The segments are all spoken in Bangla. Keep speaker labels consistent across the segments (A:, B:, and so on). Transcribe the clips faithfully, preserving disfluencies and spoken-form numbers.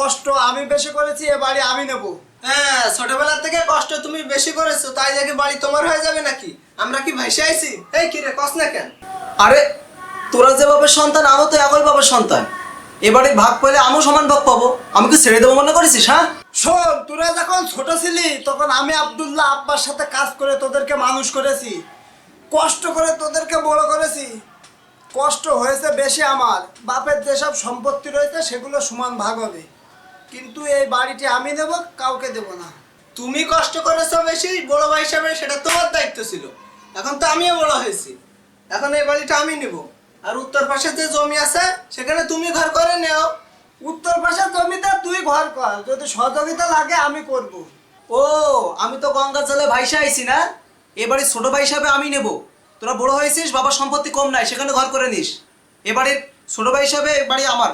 A: কষ্ট আমি বেশি করেছি, এ বাড়ি আমি নেব।
B: হ্যাঁ, ছোটবেলা থেকে কষ্ট তুমি বেশি করেছো, তাই দেখে বাড়ি তোমার হয়ে যাবে নাকি? আমরা কি ভাইসে আইছি? এই কি রে, কস না কেন?
C: আরে তোরা যে বাবার সন্তান, আমিও তো একই বাবার সন্তান। এবারে ভাগ পেলে আমিও সমান ভাগ পাবো। আমি কি ছেড়ে দেবো মনে করেছিস? হ্যাঁ
A: শোন, তোরা যখন ছোট ছিলি তখন আমি আব্দুল্লাহ আব্বার সাথে কাজ করে তোদেরকে মানুষ করেছি, কষ্ট করে তোদেরকে বড় করেছি। কষ্ট হয়েছে বেশি আমার। বাপের যেসব সম্পত্তি রয়েছে সেগুলো সমান ভাগ হবে, কিন্তু এই বাড়িটি আমি দেব, কাউকে দেব না।
B: তুমি কষ্ট করেছো বেশি, বড় ভাই হিসাবে সেটা তোমার দায়িত্ব ছিল। এখন তো আমিও বড় হয়েছি, এখন এই বাড়িটা আমি নেব। আর উত্তর পাশে যে জমি আছে সেখানে তুমি ঘর করে নেও।
A: উত্তর পাশের জমিতে তুই ঘর কর, যদি সহযোগিতা লাগে আমি করব।
C: ও, আমি তো গঙ্গার জলে ভাইসা আইছি না, এবারে ছোট ভাই হিসাবে আমি নেব। তোরা বড় হয়েছিস, বাবার সম্পত্তি কম নাই, সেখানে ঘর করে নিস। এবারে ছোট ভাই হিসাবে বাড়ি আমার।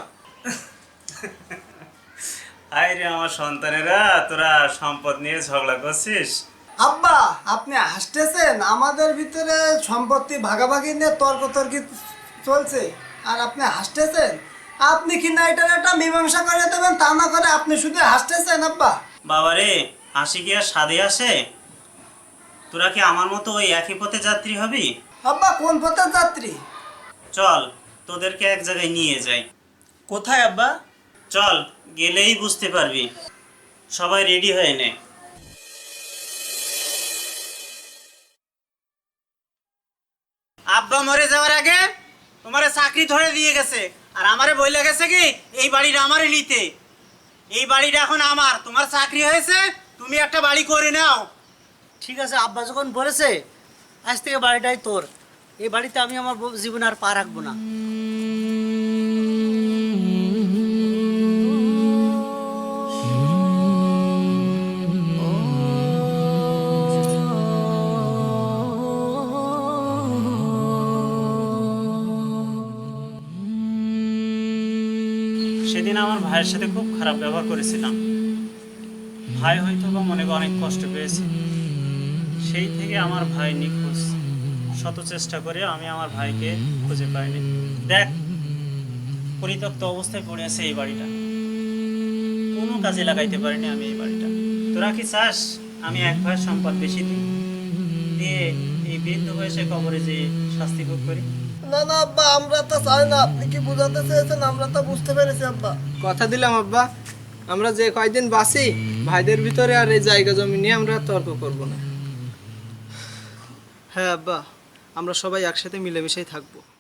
D: আয় রে আমার সন্তানেরা, তোরা সম্পদ নিয়ে ঝগড়া করছিস?
A: আব্বা, আপনি হাসতেছেন? আমাদের ভিতরে সম্পত্তি ভাগাভাগি নিয়ে তর্কতর্কি চলছে আর আপনি হাসতেছেন। আপনি কি না এটার একটা মীমাংসা করে দেবেন, তা না করে আপনি শুধু হাসতেছেন। আব্বা
D: বাবারে, হাসি কি আর স্বাদে আসে? তোরা কি আমার মতো ওই একই পথে যাত্রী হবি?
A: আব্বা, কোন পথের যাত্রী?
D: চল তোদেরকে এক জায়গায় নিয়ে যাই।
B: কোথায় আব্বা?
D: চল, গেলেই বুঝতে পারবি। সবাই রেডি হয়ে নে। আব্বা মরে যাওয়ার আগে তোমারে চাকরি ধরে দিয়ে গেছে, আর আমারে বইলে গেছে কি এই বাড়িটা আমারে নিতে। এই বাড়িটা এখন আমার, তোমার চাকরি হয়েছে, তুমি একটা বাড়ি করে নাও।
E: ঠিক আছে, আব্বা যখন বলেছে আজ থেকে বাড়িটাই তোর, এই বাড়িতে আমি আমার জীবনে আর পা রাখবো না।
D: সেদিন আমার ভাইয়ের সাথে খুব খারাপ ব্যবহার করেছিলাম। ভাই হয়তো বা মনে অনেক কষ্ট পেয়েছে। সেই থেকে আমার ভাই নিখোঁজ। শত চেষ্টা করে আমি আমার ভাইকে খুঁজে পাইনি। দেখ, পরিত্যক্ত অবস্থায় পড়ে আছে এই বাড়িটা, কোনো কাজে লাগাইতে পারিনি আমি এই বাড়িটা। তোরা কি চাস আমি এক ভাইয়ের সম্পদ বেশি দিই, দিয়ে এই বৃদ্ধ বয়সে কবরে যে শাস্তি ভোগ করি?
A: না না আব্বা, আমরা তো চাই না। আপনি কি বোঝাতে চেয়েছেন আমরা তো বুঝতে পেরেছি আব্বা।
B: কথা দিলাম আব্বা, আমরা যে কয়দিন বাঁচি ভাইদের ভিতরে আর এই জায়গা জমি নিয়ে আমরা তর্ক করব না। হ্যাঁ আব্বা, আমরা সবাই একসাথে মিলেমিশেই থাকবো।